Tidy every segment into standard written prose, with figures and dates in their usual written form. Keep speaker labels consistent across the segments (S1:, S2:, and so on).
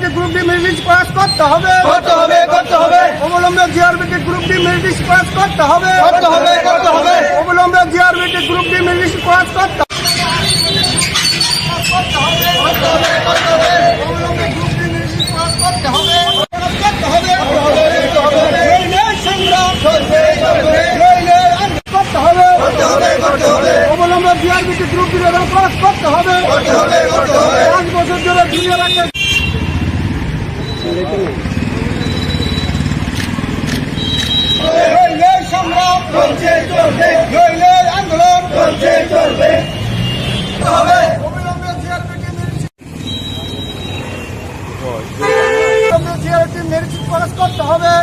S1: GRBT group D merit list pass করতে হবে অবলম্বনে GRBT group D merit list pass করতে হবে অবলম্বনে GRBT group D merit list pass করতে অবলম্বনে জিআরবিটি গ্রুপ ডি পাস করতে হবে 5 বছর ধরে দুনিয়া রাখতে সংগ্রাম চলছে চলবে আন্দোলন চলছে চলবে অবিলম্বে জিআরবিটি মেরিট পাস করতে হবে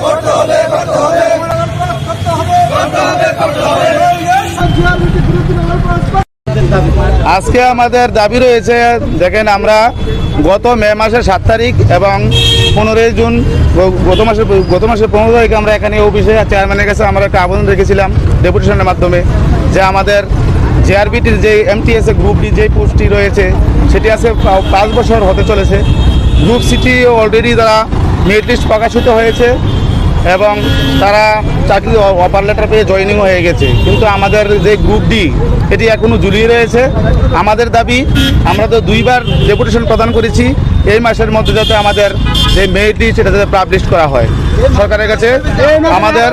S1: জিআরবিটি গ্রুপ ডি পাস
S2: আজকে আমাদের দাবি রয়েছে, দেখেন আমরা গত মে মাসের 7 তারিখ এবং 15 জুন গত মাসের 15 তারিখে আমরা এখানে অফিসে চেয়ারম্যানের কাছে আমরা একটা আবেদন রেখেছিলাম ডেপুটেশনের মাধ্যমে যে আমাদের জিআরবিটির যে এমটিএসএ গ্রুপ ডি যে পোস্টটি রয়েছে সেটি আছে 5 বছর হতে চলেছে। গ্রুপ সিটি অলরেডি তারা মেরিট লিস্ট প্রকাশিত হয়েছে এবং তারা চাকরি অফার লেটার পেয়ে জয়েনিং হয়ে গেছে, কিন্তু আমাদের যে গ্রুপ ডি এটি এখনও ঝুলিয়ে রয়েছে। আমাদের দাবি, আমরা তো 2বার ডেপুটেশন প্রদান করেছি, এই মাসের মধ্যে যাতে আমাদের যে মেরিট লিস্ট সেটা যাতে পাবলিশ করা হয় সরকারের কাছে আমাদের।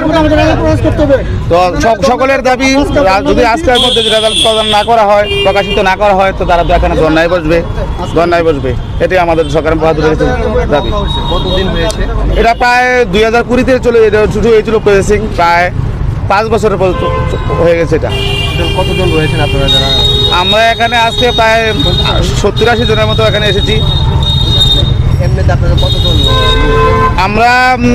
S2: তো সকলের দাবি, যদি আজকের মধ্যে রেজাল্ট প্রদান না করা হয়, প্রকাশিত না করা হয়, তো তারা এখানে ধর্নায় বসবে। এটি আমাদের সরকারের পক্ষ থেকে দাবি।
S3: কতদিন হয়েছে
S2: এটা প্রায় 2020-তে শুরু হয়েছিল প্রসেসিং, প্রায় 5 বছরের হয়ে গেছে। এটা
S3: কতজন রয়েছেন আপনারা যারা?
S2: আমরা এখানে আজকে প্রায় 70-80 জনের মতো এখানে এসেছি।
S3: এমনিতে আপনারা কতজন?
S2: আমরা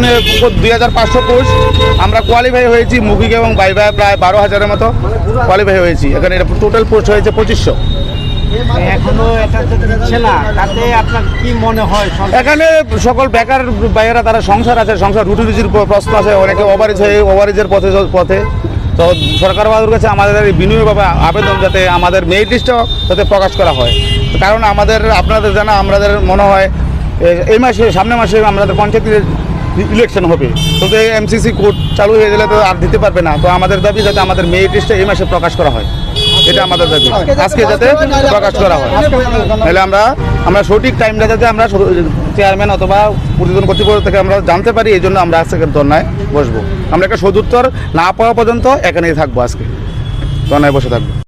S2: 2500 পোস্ট আমরা কোয়ালিফাই হয়েছি, মৌখিক এবং ভাইভা প্রায় 12,000-এর মতো কোয়ালিফাই হয়েছি। এখানে এটা টোটাল পোস্ট হয়েছে 2500।
S3: এখনো এটা দিচ্ছে না, তাতে আপনার কি মনে হয়?
S2: এখানে সকল বেকার ভাইয়েরা তারা সংসার আছে, সংসার রুটি রুজির প্রশ্ন আছে, অনেকে ওভারেজের পথে। তো সরকার বাবুর কাছে আমাদের বিনয়ভাবে আবেদন যাতে আমাদের মেরিট লিস্টও যাতে প্রকাশ করা হয়, কারণ আপনাদের জানা আমাদের মনে হয় এই মাসে সামনের মাসে আমাদের পঞ্চায়েতের ইলেকশন হবে, তো এমসিসি কোড চালু হয়ে গেলে তো আর দিতে পারবে না। তো আমাদের দাবি যাতে আমাদের মেরিট লিস্টে এই মাসে প্রকাশ করা হয়, এটা আমাদের দাবি, আজকে যাতে প্রকাশ করা হয়। তাহলে আমরা সঠিক টাইমটা যাতে আমরা চেয়ারম্যান অথবা প্রতিদিন কর্তৃপক্ষ থেকে আমরা জানতে পারি, এই জন্য আমরা আজকে ধর্নায় বসবো। আমরা একটা সদুত্তর না পাওয়া পর্যন্ত এখানেই থাকবো, আজকে ধর্নায় বসে থাকবো।